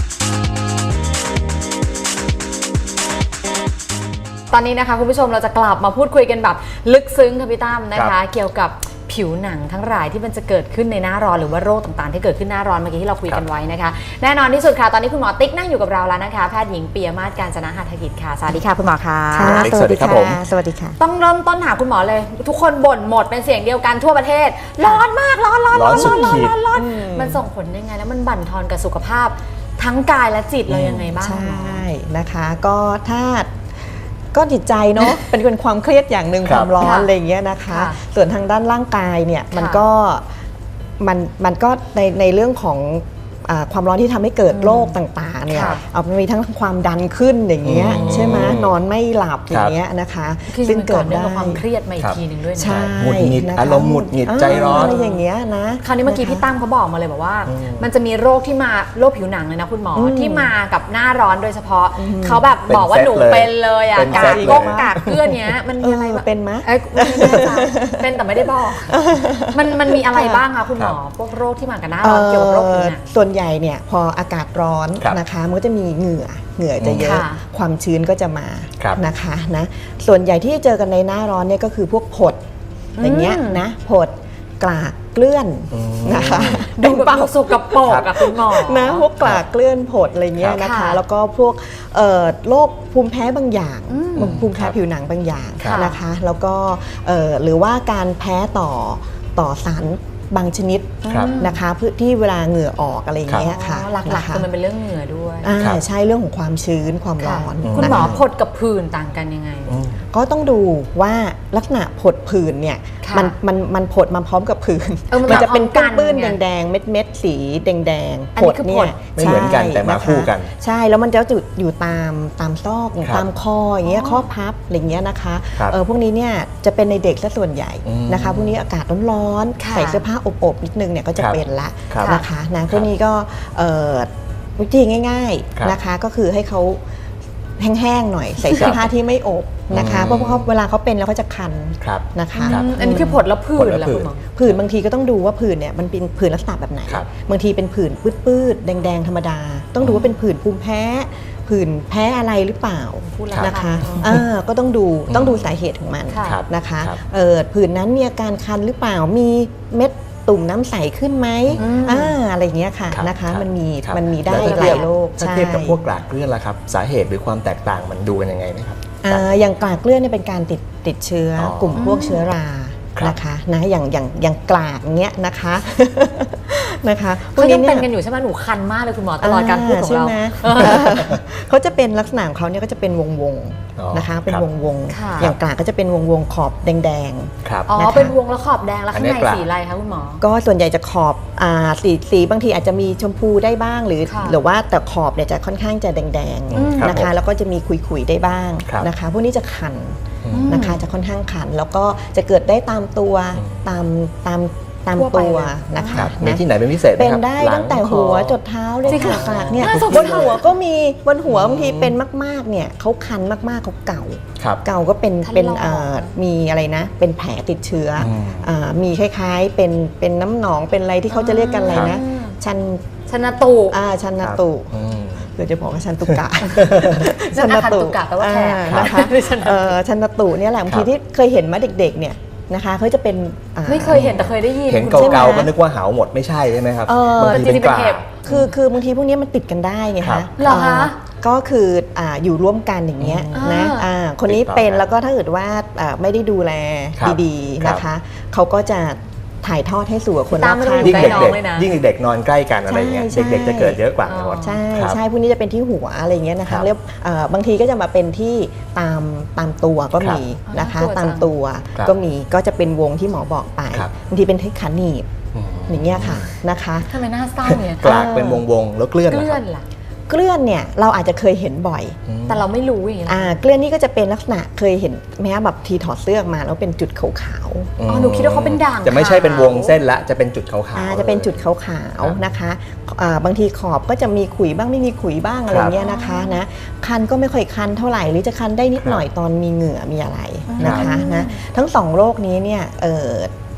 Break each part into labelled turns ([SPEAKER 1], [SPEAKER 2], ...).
[SPEAKER 1] ตอนนี้นะคะคุณผู้ชมเราจะกลับมาพูดคุยกันแบบลึกซึ้งค่ะพี่ตั้มนะคะเกี่ยวกับผิวหนังทั้งหลายที่มันจะเกิดขึ้นในหน้าร้อนหรือว่าโรคต่างๆที่เกิดขึ้นหน้าร้อนเมื่อกี้ที่เราคุยกันไว้นะคะแน่นอนที่สุดค่ะตอนนี้คุณหมอติ๊กนั่งอยู่กับเราแล้วนะคะแพทย์หญิงปิยมาศ กาญจนะหฐกิจค่ะสวัสดีค่ะคุณหมอค่ะ
[SPEAKER 2] สวัสดีครับผม
[SPEAKER 3] สวัสดีค่ะ
[SPEAKER 1] ต้องเริ่มต้นหาคุณหมอเลยทุกคนบ่นหมดเป็นเสียงเดียวกันทั่วประเทศร้อนมากร้อนมันส่งผลยังไงแล้วมันบั่นทอนกับสุขภาพทั้งกายและจิตเรายังไงบ้าง
[SPEAKER 3] ใช่นะคะก็ถ้าก็จิตใจเนาะ เป็นความเครียดอย่างหนึ่งความร้อนอะไรอย่างเงี้ยนะคะส่วนทางด้านร่างกายเนี่ยมันก็ในเรื่องของความร้อนที่ทำให้เกิดโรคต่างๆเนี่ยมันมีทั้งความดันขึ้นอย่างเงี้ยใช่ไหมนอนไม่หลับอย่างเงี้ยนะคะ
[SPEAKER 1] ซึ่งเกิดได้ความเครียดมาอีกทีหนึ่งด้วยนะ
[SPEAKER 3] ใช่
[SPEAKER 2] หงุดหงิดอารมณ์หงุดหงิดใจร้อน
[SPEAKER 3] อะไรอย่างเงี้ยนะ
[SPEAKER 1] คราวนี้เมื่อกี้พี่ตั้มเขาบอกมาเลยบอกว่ามันจะมีโรคที่มาโรคผิวหนังเลยนะคุณหมอที่มากับหน้าร้อนโดยเฉพาะเขาแบบบอกว่าหนูเป็นเลยอ่ะกากก้งกากเกลือนเนี้ยมันมีอะไร
[SPEAKER 3] เป็นไหม
[SPEAKER 1] เป็นแต่ไม่ได้บอกมันมีอะไรบ้างคะคุณหมอพวกโรคที่มากับหน้าร้อนเกี่ยวกับโรคผิวหนัง
[SPEAKER 3] ส่วนใหญ่เนี่ยพออากาศร้อนนะคะมันก็จะมีเหงื่อจะเยอะความชื้นก็จะมานะคะนะส่วนใหญ่ที่เจอกันในหน้าร้อนเนี่ยก็คือพวกผดอย่างเงี้ยนะผดกลากเกลื่อนนะคะ
[SPEAKER 1] ดูเปล่าสกปรกกับคุณหมอ
[SPEAKER 3] นะพวกกลากเกลื่อนผดอะไรเงี้ยนะคะแล้วก็พวกโรคภูมิแพ้บางอย่างภูมิแพ้ผิวหนังบางอย่างนะคะแล้วก็หรือว่าการแพ้ต่อสารบางชนิดนะคะเพื่อที่เวลาเหงื่อออกอะไรอย่างเงี้ยค่ะ
[SPEAKER 1] หลักๆคือมันเป็นเรื่องเหงื่อด้วย
[SPEAKER 3] ใช่เรื่องของความชื้นความร้อน
[SPEAKER 1] คุณหมอผดกับผื่นต่างกันยังไง
[SPEAKER 3] ก็ต้องดูว่าลักษณะผดผื่นเนี่ยมันผดมาพร้อมกับผื่นมันจะเป็นปื้นแดงๆเม็ดสีแดงๆผดเนี่ย
[SPEAKER 2] ไม่เหมือนกันแต่มาคู่กัน
[SPEAKER 3] ใช่แล้วมันจะอยู่ตามซอกตามคออย่างเงี้ยข้อพับอะไรเงี้ยนะคะพวกนี้เนี่ยจะเป็นในเด็กซะส่วนใหญ่นะคะพวกนี้อากาศร้อนๆใส่เสื้อผ้าอบนิดนึงเนี่ยก็จะเป็นละนะคะนะพวกนี้ก็วิธีง่ายๆนะคะก็คือให้เขาแห้งๆหน่อยใส่เสื้อผ้าที่ไม่อบนะคะเพราะเวลาเขาเป็นแล้วเขาจะคันนะคะ
[SPEAKER 1] อันนี้คือผดแล้วผื่นแล้วคุณหมอ
[SPEAKER 3] ผื่นบางทีก็ต้องดูว่าผื่นเนี่ยมันเป็นผื่นลักษณะแบบไหนบางทีเป็นผื่นปื้ดๆแดงๆธรรมดาต้องดูว่าเป็นผื่นภูมิแพ้ผื่นแพ้อะไรหรือเปล่านะคะก็ต้องดูสาเหตุของมันนะคะผื่นนั้นมีอาการคันหรือเปล่ามีเม็ดตุ่มน้ำใสขึ้นไหมอะไรอย่างเงี้ยค่ะนะคะมันมีได้หลายโรค
[SPEAKER 2] ถ้าเทียบกับพวกกลากเกลื่อนล่ะครับสาเหตุหรือความแตกต่างมันดูกันยังไงไหมครับ
[SPEAKER 3] อย่างกลากเกลื่อนเนี่ยเป็นการติดเชื้อกลุ่มพวกเชื้อรานะคะนะอย่างกลากเงี้ยนะคะ
[SPEAKER 1] เขายังเป็นกันอยู่ใช่ไหมหนูคันมากเลยคุณหมอตลอดการพูดของเรา
[SPEAKER 3] เขาจะเป็นลักษณะของเขาเนี่ยก็จะเป็นวงนะคะเป็นวงอย่างกลากก็จะเป็นวงขอบแดง
[SPEAKER 1] อ๋อเป็นวงแล้วขอบแดงแล้วข้างในสีอะไรคะคุณหมอ
[SPEAKER 3] ก็ส่วนใหญ่จะขอบสีบางทีอาจจะมีชมพูได้บ้างหรือว่าแต่ขอบเนี่ยจะค่อนข้างจะแดงๆนะคะแล้วก็จะมีขุยๆได้บ้างนะคะพวกนี้จะคันนะคะจะค่อนข้างคันแล้วก็จะเกิดได้ตามตัวตามตัวนะคะ
[SPEAKER 2] มีที่ไหนเป็นพิเศษ
[SPEAKER 3] เป็นได้ตั้งแต่หัวจดเท้าเลยค่ะเนี่ยบนหัวก็มีบนหัวบางทีเป็นมากๆเนี่ยเขาคันมากๆเขาเก่าก็เป็นมีอะไรนะเป็นแผลติดเชื้อมีคล้ายๆเป็นน้ำหนองเป็นอะไรที่เขาจะเรียกกันอะไรนะชันตุชันตุเดี๋ยวจะบอกว่าชันตุกะ
[SPEAKER 1] ชันตุกะแปลว่าแผล
[SPEAKER 3] นะคะชันตุเนี่ยแหละบางทีที่เคยเห็นมาเด็กๆเนี่ยนะคะเขาจะเป็น
[SPEAKER 1] ไม่เคยเห็นแต่เคยได้ยิน
[SPEAKER 2] เห็นเก่าๆก็นึกว่าหาวหมดไม่ใช่ใช่ไหมครับบางทีเป็นกลาก
[SPEAKER 3] คือบางทีพวกนี้มันติดกันได้ไงคะ
[SPEAKER 1] เหรอคะ
[SPEAKER 3] ก็คืออยู่ร่วมกันอย่างเงี้ยนะคนนี้เป็นแล้วก็ถ้าเกิดว่าไม่ได้ดูแลดีๆนะคะเขาก็จะถ่ายทอดให้สู่คนรอบข้าง
[SPEAKER 2] ยิ่งเด็กนอนใกล้กันอะไรเงี้ยเด็กๆจะเกิดเยอะกว่า
[SPEAKER 3] ใช่พวกนี้จะเป็นที่หัวอะไรเงี้ยนะคะเรียกบางทีก็จะมาเป็นที่ตามตัวก็มีนะคะตามตัวก็มีก็จะเป็นวงที่หมอบอกไปบางทีเป็นที่ขาหนีบอย่างเงี้ยค่ะนะคะ
[SPEAKER 1] ทำไมหน้าเศร้าเนี่ย
[SPEAKER 2] กลากเป็นวงแล้วเกลื่อน
[SPEAKER 1] ล่ะ
[SPEAKER 3] เกลื่อนเนี่ยเราอาจจะเคยเห็นบ่อย
[SPEAKER 1] แต่เราไม่รู้อย่างนี้
[SPEAKER 3] เกลื่อนนี่ก็จะเป็นลักษณะเคยเห็นแม้แบบทีถอดเสื้อมาแล้วเป็นจุดขาว
[SPEAKER 1] หนูคิดว่าเขาเป็นด่าง
[SPEAKER 2] จะไม่ใช่เป็นวงเส้นละจะเป็นจุดขาว
[SPEAKER 3] จะเป็นจุดขาวนะคะบางทีขอบก็จะมีขุยบ้างไม่มีขุยบ้างอะไรเงี้ยนะคะนะคันก็ไม่ค่อยคันเท่าไหร่หรือจะคันได้นิดหน่อยตอนมีเหงื่อมีอะไรนะคะนะทั้ง2โรคนี้เนี่ย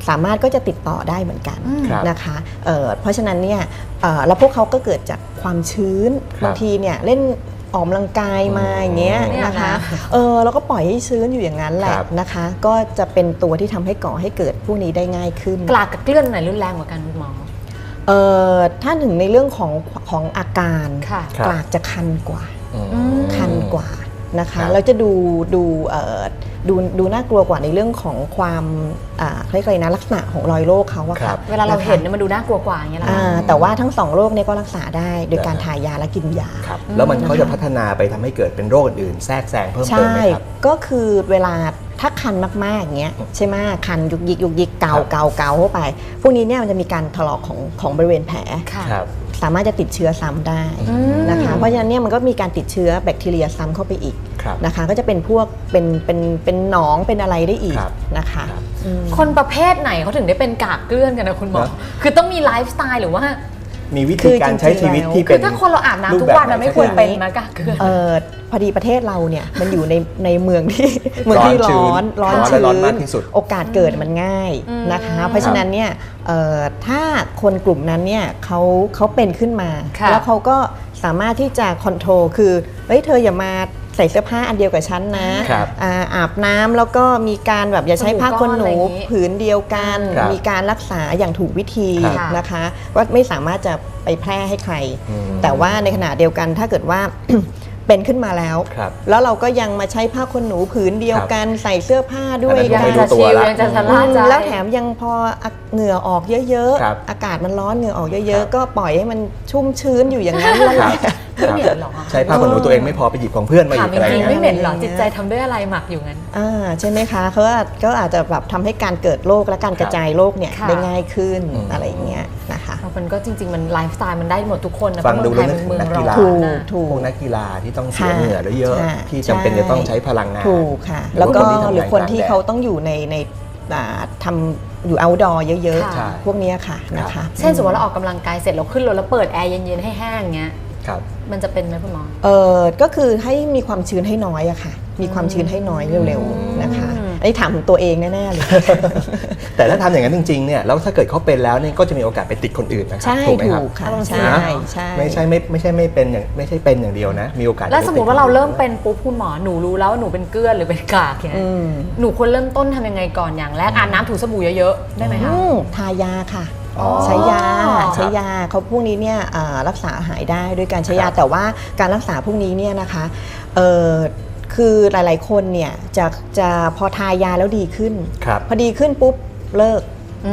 [SPEAKER 3] สามารถก็จะติดต่อได้เหมือนกัน
[SPEAKER 2] ครับ
[SPEAKER 3] นะคะเพราะฉะนั้นเนี่ยแล้วพวกเขาก็เกิดจากความชื้น
[SPEAKER 2] ครับ
[SPEAKER 3] บางทีเนี่ยเล่นออกกำลังกายมาอย่างเงี้ย
[SPEAKER 1] เนี่ย
[SPEAKER 3] นะคะ
[SPEAKER 1] นะ
[SPEAKER 3] แล้วก็ปล่อยให้ชื้นอยู่อย่างนั้นแหละ
[SPEAKER 2] ครับ
[SPEAKER 3] นะคะ ก็จะเป็นตัวที่ทำให้ก่อให้เกิดพวกนี้ได้ง่ายขึ้น
[SPEAKER 1] กลากกับเกลื่อนไหนรุนแรงกว่ากันคุณหมอ
[SPEAKER 3] ถ้าถึงในเรื่องของอาการ
[SPEAKER 1] ค่ะ
[SPEAKER 2] ครับ
[SPEAKER 3] กลากจะคันกว่า คันกว่านะ
[SPEAKER 2] ครั
[SPEAKER 3] คะ
[SPEAKER 2] บ
[SPEAKER 3] แล้วจะดูน่ากลัวกว่าในเรื่องของความเรียกอะไรนะลักษณะของรอยโรคเขาอะ
[SPEAKER 2] ครั
[SPEAKER 3] ค่ะ
[SPEAKER 2] บ
[SPEAKER 1] เวลาเรา
[SPEAKER 3] นะคะ
[SPEAKER 1] เห็นเนี่ยมันดูน่ากลัวกว่าอย่างเงี้ยเหรอคะ
[SPEAKER 3] แต่ว่าทั้ง2โรคเนี่ยก็รักษาได้โดยการทายาและกินยา
[SPEAKER 2] ครับแล้วมันเขาจะพัฒนาไปทำให้เกิดเป็นโรคอื่นๆแทรกแซงเพิ่มเติม
[SPEAKER 3] ใช่
[SPEAKER 2] ไหมครับ
[SPEAKER 3] ก็คือเวลาถ้าคันมากๆอย่างเงี้ยใช่ไหมคันยุกยิกเกา
[SPEAKER 2] ครับ
[SPEAKER 3] เกาเกาเข้าไป พวกนี้เนี่ยมันจะมีการถลอกของบริเวณแผล
[SPEAKER 1] ค่ะ
[SPEAKER 2] ครับ
[SPEAKER 3] สามารถจะติดเชื้อซ้ำได้นะคะเพราะฉะนั้นเนี่ยมันก็มีการติดเชื้อแบคทีเรียซ้ำเข้าไปอีก
[SPEAKER 2] ครับ
[SPEAKER 3] นะคะก็จะเป็นพวกเป็นหนองเป็นอะไรได้อีก
[SPEAKER 2] ครับ
[SPEAKER 3] นะคะ
[SPEAKER 2] ครับ
[SPEAKER 1] คนประเภทไหนเขาถึงได้เป็นกากเกลื่อนกันนะคุณหมอ
[SPEAKER 2] นะ
[SPEAKER 1] คือต้องมีไลฟ์สไตล์หรือว่า
[SPEAKER 2] มีวิธีการใช้ชีวิตที่
[SPEAKER 1] คื
[SPEAKER 2] เป็
[SPEAKER 1] อน ถ้าคนเราอาบน้ำทุกวันมันไม่ควรเป็นนะกากเกลื่อน
[SPEAKER 3] พอดีประเทศเราเนี่ยมันอยู่ในเมืองที่
[SPEAKER 2] ชื้น
[SPEAKER 3] ร้อน
[SPEAKER 2] และ
[SPEAKER 3] ชื้
[SPEAKER 2] ร้อน
[SPEAKER 3] น
[SPEAKER 2] มากที่สุด
[SPEAKER 3] โอกาสเกิดมันง่ายนะคะ เพราะฉะนั้นเนี่ยถ้าคนกลุ่มนั้นเนี่ยเขาเป็นขึ้นมา
[SPEAKER 1] ค่ะ
[SPEAKER 3] แล้วเขาก็สามารถที่จะคอนโทรลคือเฮ้ยเธออย่ามาใส่เสื้อผ้าอันเดียวกับฉันนะครับ อาบน้ำแล้วก็มีการแบบอย่าใช้ผ้าขนหนู
[SPEAKER 1] สบู่ก้อนอะไรอย่างงี้
[SPEAKER 3] ผืนเดียวกัน
[SPEAKER 2] ครับ
[SPEAKER 3] มีการรักษาอย่างถูกวิธี
[SPEAKER 1] ครับ
[SPEAKER 3] นะคะว่าไม่สามารถจะไปแพร่ให้ใคร
[SPEAKER 2] อืม
[SPEAKER 3] แต่ว่าในขณะเดียวกันถ้าเกิดว่า เป็นขึ้นมาแล้ว
[SPEAKER 2] ครับ
[SPEAKER 3] แล้วเราก็ยังมาใช้ผ้าขนหนูผืนเดียวกันใส่เสื้อผ้าด้วย
[SPEAKER 2] อันนั้น
[SPEAKER 1] ยัง
[SPEAKER 2] ไม่รู้
[SPEAKER 1] จะ
[SPEAKER 2] ตัว
[SPEAKER 1] ชิล
[SPEAKER 2] ละ
[SPEAKER 1] ยังจะชะล่าใจ
[SPEAKER 3] แล้วแถมยังพอเหงื่อออกเยอะ
[SPEAKER 2] ครับ
[SPEAKER 3] ๆ อากาศมันร้อนเหงื่อออกเย
[SPEAKER 2] ครั
[SPEAKER 3] อะ
[SPEAKER 2] บ
[SPEAKER 3] ๆ ก็ปล่อยให้มันชุ่มชื้นอยู่อย่างนั้นแล้ว
[SPEAKER 2] ครับ
[SPEAKER 1] ไม่เหม็นหรอ
[SPEAKER 2] ใช้ผ้าขนหนูตัวเองไม่พอไปหยิบของเพื่อนมา
[SPEAKER 1] ถา
[SPEAKER 2] อี
[SPEAKER 1] ม
[SPEAKER 2] กอะไร
[SPEAKER 1] จริงๆ
[SPEAKER 2] เงี้
[SPEAKER 1] ไม่
[SPEAKER 2] ย
[SPEAKER 1] เหม็นหรอจิตใจทำด้วยอะไรหมักอยู่งั้น
[SPEAKER 3] ใช่ไหมคะเขาก็อาจจะแบบทำให้การเกิดโรคและการกระจายโรคเนี่ย
[SPEAKER 1] ค่ะ
[SPEAKER 3] ได้ง่ายขึ้น
[SPEAKER 2] อืม
[SPEAKER 3] อะไรอย่างเงี้ยนะคะ
[SPEAKER 1] มันก็จริงๆมันไลฟ์สไตล์มันได้หมดทุกคนนะ
[SPEAKER 2] ฟังดู
[SPEAKER 1] เพ
[SPEAKER 2] แล้ว
[SPEAKER 1] ราะ
[SPEAKER 2] นึ
[SPEAKER 1] เมื
[SPEAKER 2] ก
[SPEAKER 1] อง
[SPEAKER 2] ถึ
[SPEAKER 1] ไท
[SPEAKER 2] ง
[SPEAKER 1] ย
[SPEAKER 2] นั
[SPEAKER 1] มัน
[SPEAKER 2] ก
[SPEAKER 1] เมือง
[SPEAKER 2] กีฬา
[SPEAKER 1] ร้อนนะ
[SPEAKER 3] ถูก
[SPEAKER 2] พวกนักกีฬาที่ต้องเสีย
[SPEAKER 3] ค่ะ
[SPEAKER 2] เหงื่อเยอะ
[SPEAKER 3] ใช่
[SPEAKER 2] ๆที่จำเป็นจะต้องใช้พลังงาน
[SPEAKER 3] ถูกค่ะ
[SPEAKER 2] หรือ
[SPEAKER 3] แล้วก็
[SPEAKER 2] คนที่ทำงาน
[SPEAKER 3] หรือคนที่
[SPEAKER 2] กลางแดด
[SPEAKER 3] เขาต้องอยู่ในทำอยู่ outdoor เยอะ
[SPEAKER 1] ค่ะ
[SPEAKER 2] ใช่
[SPEAKER 3] ๆ พวกเนี้ยค่ะนะคะ
[SPEAKER 1] เช่นสมมติเราออกกำลังกายเสร็จเราขึ้นรถแล้วเปิดแอร์เย็นๆให้แห้งเงี้ย
[SPEAKER 2] ครับ
[SPEAKER 1] มันจะเป็นไหมคุณหมอ
[SPEAKER 3] ก็คือให้มีความชื้นให้น้อยอะค่ะ มีความชื้นให้น้อยเร็วๆนะคะ อันนี้ถามถึงตัวเองแน่ๆเลย
[SPEAKER 2] แต่ถ้าทำอย่างนั้นจริงๆเนี่ยแล้วถ้าเกิดเขาเป็นแล้วเนี่ยก็จะมีโอกาสไปติดคนอื่นนะครั
[SPEAKER 3] ใช่
[SPEAKER 2] ถูกไหมครับ
[SPEAKER 3] ถูกค่ะ
[SPEAKER 1] อารมณ์เสี
[SPEAKER 3] ใช่
[SPEAKER 1] ย
[SPEAKER 3] ใช่
[SPEAKER 2] ไม่ใช่ไม่เป็นอย่างเดียวนะ มีโอกาส
[SPEAKER 1] แล้วสมมติว่า
[SPEAKER 2] จะ
[SPEAKER 1] เรา
[SPEAKER 2] ไปติด
[SPEAKER 1] เริ่มเป็นปุ๊บคุณหมอหนูรู้แล้วว่าหนูเป็นเกลือนหรือเป็นกากเนี่ย
[SPEAKER 3] อืม
[SPEAKER 1] หนูควรเริ่มต้นทำยังไงก่อนอย่างแรกอาบน้ำถูสบู่เยอะๆได้ไหมคะ
[SPEAKER 3] ทายาค่ะ
[SPEAKER 2] อ๋อ
[SPEAKER 3] ใช้ยา
[SPEAKER 1] ครับ
[SPEAKER 3] ใช้ยาเขาพวกนี้เนี่ยรักษาหายได้ด้วยการใช้ยา
[SPEAKER 2] ครับ
[SPEAKER 3] แต่ว่าการรักษาพวกนี้เนี่ยนะคะคือหลายๆคนเนี่ยจะพอทายาแล้วดีขึ้น
[SPEAKER 2] ครับ
[SPEAKER 3] พอดีขึ้นปุ๊บเลิก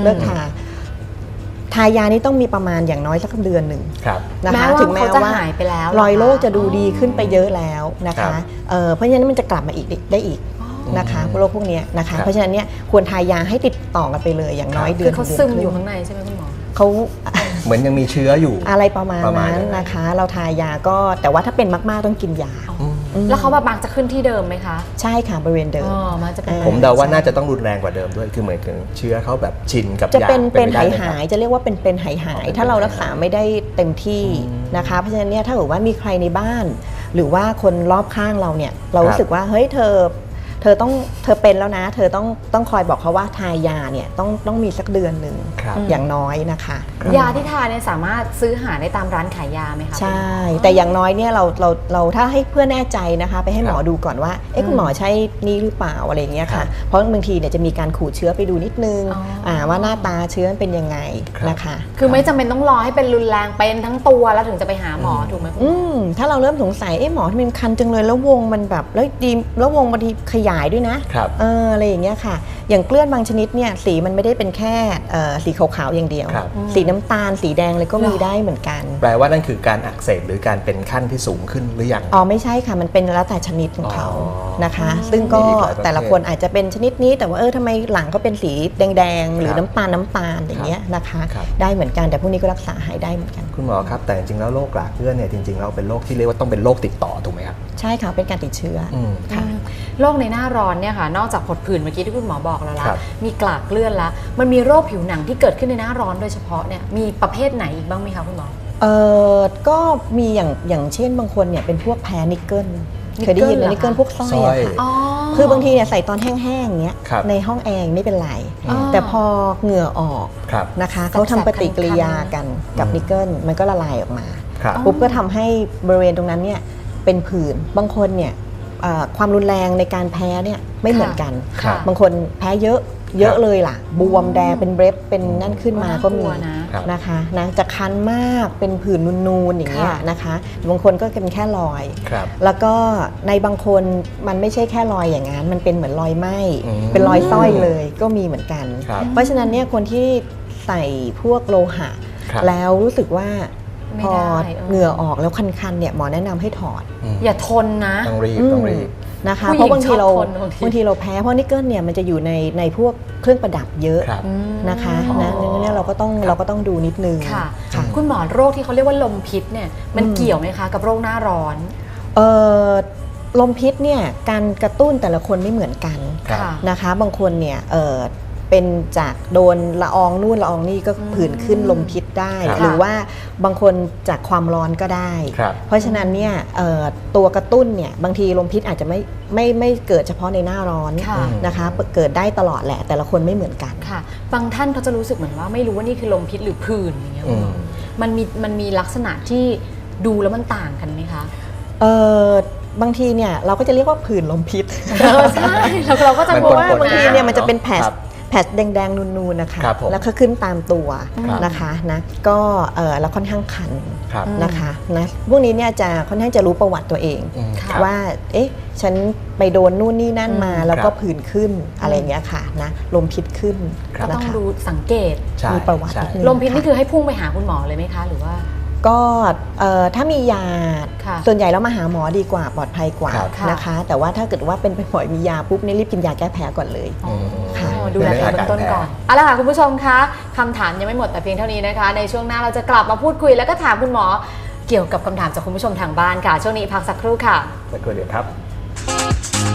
[SPEAKER 3] ทายานี้ต้องมีประมาณอย่างน้อยสักเดือนหนึ่ง
[SPEAKER 2] ครับ
[SPEAKER 3] นะ
[SPEAKER 1] แม้
[SPEAKER 3] คะ
[SPEAKER 1] ว่า
[SPEAKER 3] ถึงแม้
[SPEAKER 1] เขาจะ
[SPEAKER 3] ว่า
[SPEAKER 1] หายไปแล้ว
[SPEAKER 3] รอยโรค
[SPEAKER 1] เหรอคะ
[SPEAKER 3] จะดูดีขึ้นไปเยอะแล้วนะ
[SPEAKER 2] ครั
[SPEAKER 3] คะ
[SPEAKER 2] บ
[SPEAKER 3] เพราะฉะนั้นมันจะกลับมาอีกได้อีกนะคะโรคพวกเนี้ยนะคะ เพราะฉะนั้นเนี่ยควรทายาให้ติดต่อกันไปเลยอย่างน้อยเดื
[SPEAKER 1] คือ อน เขาซึม
[SPEAKER 3] ดืน
[SPEAKER 1] อยู่
[SPEAKER 3] ครึ่
[SPEAKER 1] ข้างในใช่ไหมคุณหมอ
[SPEAKER 3] เขา
[SPEAKER 2] เหมือนยังมีเชื้ออยู่
[SPEAKER 3] อะไรประมาณ
[SPEAKER 2] ประมาณ
[SPEAKER 3] นั้น
[SPEAKER 2] นั้น
[SPEAKER 3] นะคะ เราทายาก็แต่ว่าถ้าเป็นมากๆต้องกินยา
[SPEAKER 1] แล้วเขาแบบบางจะขึ้นที่เดิมไหมคะ
[SPEAKER 3] ใช่ค่ะบริเวณเดิม
[SPEAKER 1] อ๋อมันจะเป็น
[SPEAKER 2] ผมเดาว่าน่าจะต้องรุนแรงกว่าเดิมด้วย คือเหมือนถึงเชื้อเขาแบบชินกับ
[SPEAKER 3] จะ
[SPEAKER 2] ยา
[SPEAKER 3] เป็น
[SPEAKER 2] ไปได้
[SPEAKER 3] หาย
[SPEAKER 2] ไหมครับ
[SPEAKER 3] หายจะเรียกว่าเป็นหายหายถ้าเรารักษาไม่ได้เต็มที่นะคะ เพราะฉะนั้นเนี่ยถ้าเกิดว่ามีใครในบ้าน หรือว่าคนรอบข้างเราเนี่ยเรารู้สึกว่าเฮ้ยเธอเป็นแล้วนะ เธอต้องคอยบอกเขาว่าทายาเนี่ยต้องมีสักเดือนหนึ่ง
[SPEAKER 2] ครับ
[SPEAKER 3] อย่างน้อยนะคะ
[SPEAKER 1] ยาที่ทานเนี่ยสามารถซื้อหาได้ตามร้านขายยาไหมคะ
[SPEAKER 3] ใช่ แต่อย่างน้อยเนี่ยเราถ้าให้เพื่อแน่ใจนะคะ ไปให้หมอ
[SPEAKER 2] ครับ
[SPEAKER 3] ดูก่อนว่าเอ๊ะคุณหมอใช่นี่หรือเปล่าอะไรอย่างเงี้ย
[SPEAKER 2] ครั
[SPEAKER 3] ค่ะ
[SPEAKER 2] บ
[SPEAKER 3] เพราะบางทีเนี่ยจะมีการขูดเชื้อไปดูนิดนึง
[SPEAKER 1] อ๋อ
[SPEAKER 3] ว่าหน้าตาเชื้อมันเป็นยังไง
[SPEAKER 2] ครับ
[SPEAKER 3] นะคะ
[SPEAKER 1] คือไม่จำเป็นต้องรอให้เป็นรุนแรงเป็นทั้งตัวแล้วถึงจะไปหาหมอถูกไหมคุณหมอ
[SPEAKER 3] ถ้าเราเริ่มสงสัยเอ๊ะหมอทำไมมันคันจังเลยแล้ววงมันแบบแล้ววงบางทีขยายด้วยนะครับ อะไรอย่างเงี้ยค่ะ อย่างเกลือนบางชนิดเนี่ยสีมันไม่ได้เป็นแค่สีขาวๆอย่างเดียว
[SPEAKER 2] ครับ
[SPEAKER 3] สีน้ำตาลสีแดงเลยก็มีได้เหมือนกัน
[SPEAKER 2] แปลว่านั่นคือการอักเสบหรือการเป็นขั้นที่สูงขึ้นหรือยัง
[SPEAKER 3] อ๋อไม่ใช่ค่ะมันเป็นแล้วแต่ชนิดของเขา
[SPEAKER 2] อ๋อ
[SPEAKER 3] นะคะ ซึ่งก็
[SPEAKER 2] มีอีกหลายประเภท
[SPEAKER 3] แต่ละคนอาจจะเป็นชนิดนี้แต่ว่าทำไมหลังก็เป็นสีแดงๆหรือ
[SPEAKER 2] ครับ
[SPEAKER 3] น้ำตาลอย่างเงี้ยนะคะ
[SPEAKER 2] ครับ
[SPEAKER 3] ได้เหมือนกันแต่พวกนี้ก็รักษาหายได้เหมือนกัน
[SPEAKER 2] คุณหมอครับแต่จริงๆแล้วโรคกลากเกลื่อนเนี่ยจริงๆเราเป็นโรคที่เรียกว่าต้องเป็นโรคติดต่อถูกไหมครับ
[SPEAKER 3] ใช่ค่ะเป็นการติดเชื้ออ
[SPEAKER 2] ม
[SPEAKER 3] ค่ะ
[SPEAKER 1] โรคในหน้าร้อนเนี่ยค่ะนอกจากผดผื่นเมื่อกี้ที่คุณหมอบอกแล้วละ
[SPEAKER 2] ครับ
[SPEAKER 1] มีกลากเกลื่อนละมันมีโรคผิวหนังที่เกิดขึ้นในหน้าร้อนโดยเฉพาะเนี่ยมีประเภทไหนอีกบ้างไหมคะคุณหมอ
[SPEAKER 3] ก็มีอย่างเช่นบางคนเนี่ยเป็นพวกแพ้นิกเกิลเคยได้ยินไหมนิกเกิลพวกสร้อยอะค่ะ
[SPEAKER 1] อ๋อ
[SPEAKER 3] คือบางทีเนี่ยใส่ตอนแห้งๆเงี้ย
[SPEAKER 2] ครับ
[SPEAKER 3] ในห้องแอร์ไม่เป็นไร
[SPEAKER 1] อ๋อ
[SPEAKER 3] แต่พอเหงื่อออก
[SPEAKER 2] ครับ
[SPEAKER 3] นะคะเขาทำปฏิกิริยากันกับ
[SPEAKER 2] อืม
[SPEAKER 3] นิกเกิลมันก็ละลายออกมา
[SPEAKER 2] ครับ
[SPEAKER 3] ปุ๊บก็ทำให้บริเวณตรงนั้นเนี่ยเป็นผื่นบางคนเนี่ยความรุนแรงในการแพ้เนี่ยไม่เหมือนกัน
[SPEAKER 1] ค่ะ
[SPEAKER 3] บางคนแพ้เยอะเลยล่ะบวมแดงเป็นเบรฟเป็นนั่นขึ้นมาก็มี
[SPEAKER 1] น่ากลัวนะ
[SPEAKER 2] ครับ
[SPEAKER 3] นะคะนะจะคันมากเป็นผื่นนูนๆอย่างเงี้ย
[SPEAKER 1] ค่ะ
[SPEAKER 3] นะคะบางคนก็เป็นแค่รอย
[SPEAKER 2] ครับ
[SPEAKER 3] แล้วก็ในบางคนมันไม่ใช่แค่รอยอย่างนั้นมันเป็นเหมือนรอยไหม้
[SPEAKER 2] อืม
[SPEAKER 3] เป็นรอยสร้อยเลยก็มีเหมือนกัน
[SPEAKER 2] ครับ
[SPEAKER 3] เพราะฉะนั้นเนี่ยคนที่ใส่พวกโลหะ
[SPEAKER 2] ครับ
[SPEAKER 3] แล้วรู้สึกว่า
[SPEAKER 1] ไม่
[SPEAKER 3] พอ
[SPEAKER 1] ได้
[SPEAKER 3] เหงื่อออกแล้วคันๆเนี่ยหมอแนะนำให้ถอด
[SPEAKER 1] อย่าทนนะ
[SPEAKER 2] ต้องรีบต้องรีบ
[SPEAKER 3] นะคะ
[SPEAKER 1] ผู้หญิง
[SPEAKER 3] เพราะบางทีเรา
[SPEAKER 1] ชอบทนบางที
[SPEAKER 3] เราแพ้เพราะนิกเกิลเนี่ยมันจะอยู่ในพวกเครื่องประดับเยอะ
[SPEAKER 2] ครับ
[SPEAKER 3] นะคะ
[SPEAKER 2] อ๋อ
[SPEAKER 3] นะเนี่ยเราก็ต้องดูนิดนึง
[SPEAKER 1] ค่ะ
[SPEAKER 3] ค่ะ
[SPEAKER 1] คุณหมอโรคที่เขาเรียกว่าลมพิษเนี่ยมันเกี่ยวไหมคะกับโรคหน้าร้อน
[SPEAKER 3] เอ่อลมพิษเนี่ยการกระตุ้นแต่ละคนไม่เหมือนกัน
[SPEAKER 2] ครับ
[SPEAKER 1] ค่ะ
[SPEAKER 3] นะคะบางคนเนี่ยเป็นจากโดนละอองนู่นละอองนี่ก็ผื่นขึ้นลมพิษได้
[SPEAKER 2] ครับ
[SPEAKER 3] หรือว่าบางคนจากความร้อนก็ได้
[SPEAKER 2] ครับ
[SPEAKER 3] เพราะฉะนั้นเนี่ยตัวกระตุ้นเนี่ยบางทีลมพิษอาจจะไม่เกิดเฉพาะในหน้าร้อน
[SPEAKER 1] ค่ะ
[SPEAKER 3] นะคะเกิดได้ตลอดแหละแต่ละคนไม่เหมือนกัน
[SPEAKER 1] ค่ะ บางท่านเขาจะรู้สึกเหมือนว่าไม่รู้ว่านี่คือลมพิษหรือผื่นอย่างเงี้ย
[SPEAKER 2] อืม
[SPEAKER 1] มันมีลักษณะที่ดูแล้วมันต่างกันไหมคะ
[SPEAKER 3] บางทีเนี่ยเราก็จะเรียกว่าผื่นลมพิษ
[SPEAKER 1] ใช่แล้วเราก็จะ
[SPEAKER 2] มัน
[SPEAKER 3] เพราะว่า
[SPEAKER 2] ปนๆ
[SPEAKER 3] บางทีเนี่ยมันจะเป็นแผล
[SPEAKER 2] ครับ
[SPEAKER 3] แดงๆนูนๆนะคะ
[SPEAKER 2] ครับผม
[SPEAKER 3] แล้วก็ขึ้นตามตัว
[SPEAKER 2] ครับ
[SPEAKER 3] นะคะนะก็แล้วค่อนข้างคัน
[SPEAKER 2] ครับ
[SPEAKER 3] นะคะนะพวกนี้เนี่ยจะค่อนข้างจะรู้ประวัติตัวเอง
[SPEAKER 2] อืม
[SPEAKER 1] ค่ะ
[SPEAKER 2] ครับ
[SPEAKER 3] ว่าเอ๊ะฉันไปโดนนู่นนี่นั่นมาแล้วก็
[SPEAKER 2] ครับ
[SPEAKER 3] ผื่นขึ้นอะไรอย่างเงี้ยค่ะนะลมพิษขึ้น
[SPEAKER 2] ครับ
[SPEAKER 1] ก็
[SPEAKER 3] นะ
[SPEAKER 1] ต้อง
[SPEAKER 3] คะ
[SPEAKER 1] ดูสังเกต
[SPEAKER 2] ใช่
[SPEAKER 3] มีประวัติ
[SPEAKER 2] ใช่
[SPEAKER 3] นิดนึง
[SPEAKER 1] ลมพิษนี่คือให้พุ่งไปหาคุณหมอเลยไหมคะ หรือว่า
[SPEAKER 3] ก็ถ้ามียา
[SPEAKER 1] ค่ะ
[SPEAKER 3] ส่วนใหญ่แล้วมาหาหมอดีกว่าปลอดภัยกว่า
[SPEAKER 2] ครับ
[SPEAKER 3] นะคะ แต่ว่าถ้าเกิดว่าเป็นบ่อยมียาปุ๊บนี่รีบกินยาแก้แพ้ก่อนเลย
[SPEAKER 1] อ๋อ
[SPEAKER 3] ค่ะ
[SPEAKER 1] ดูแลตัวเองเบื้องต้นก่อนเอาละค่ะคุณผู้ชมคะคำถามยังไม่หมดแต่เพียงเท่านี้นะคะ ในช่วงหน้าเราจะกลับมาพูดคุยแล้วก็ถามคุณหมอเกี่ยวกับคำถามจากคุณผู้ชมทางบ้านค่ะ ช่วงนี้พักสักครู่ค่ะ
[SPEAKER 2] สักครู่เดียวครับ